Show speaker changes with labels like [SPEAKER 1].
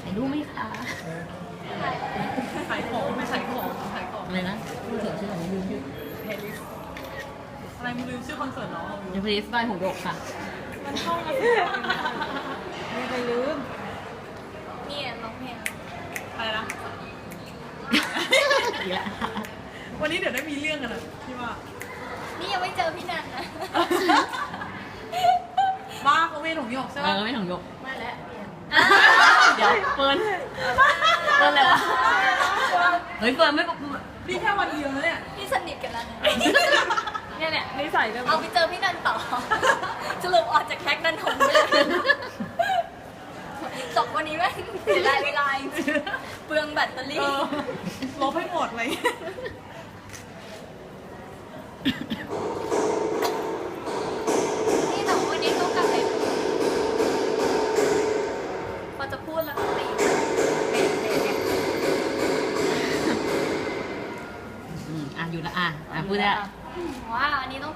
[SPEAKER 1] ายรูปไหมคะ
[SPEAKER 2] ขายของไม่ขายของขายของ
[SPEAKER 1] อะไรนะคอนเสิร์ตชื่ออะไรลืมชื่อ
[SPEAKER 2] เพลลิสอะไรมึงลืมชื่อคอนเสิร์ตเหรอ
[SPEAKER 1] เดฟริสบายหงส์หยกค่ะ
[SPEAKER 2] มันท่องมาสิไม่ไปลืม
[SPEAKER 3] เนี่ยร้องเพลง
[SPEAKER 2] อะไรนะ
[SPEAKER 1] อีกแล้ว
[SPEAKER 2] วันนี้เดี๋ยวได้มีเรื่องกันนะพี่ว่า
[SPEAKER 3] นี่ยังไม่เจอพี่นันนะ
[SPEAKER 2] บ้าเขาเวทหงหยกใช่
[SPEAKER 1] เอ
[SPEAKER 2] ปะ
[SPEAKER 1] อไม่หงส์หยก
[SPEAKER 3] ไม่แล้ว
[SPEAKER 1] เดี๋ยวเฟิร์นเลยวะเฮ้ยเฟิร์นไม่
[SPEAKER 2] นี่แค่วันเดียวนะเนี่ย
[SPEAKER 3] พี่สนิทกันแล้วนะ
[SPEAKER 2] เนี่ยนิสัยแบบ
[SPEAKER 3] เอาไปเจอพี่นันต่อสรุปออกจากแคคนันทงไปเลยจบวันนี้แม่งเสียดายเวลาจริงๆเปลืองแบตเตอรี่
[SPEAKER 2] ลบให้หมดเลย
[SPEAKER 3] นี่แต่วันนี้ต้องกลับไปพอจะพูดแล้วก็ตีเนี่ย
[SPEAKER 1] อ่ะอยู่ละพูดได้
[SPEAKER 3] ว่าอันนี้ต้อง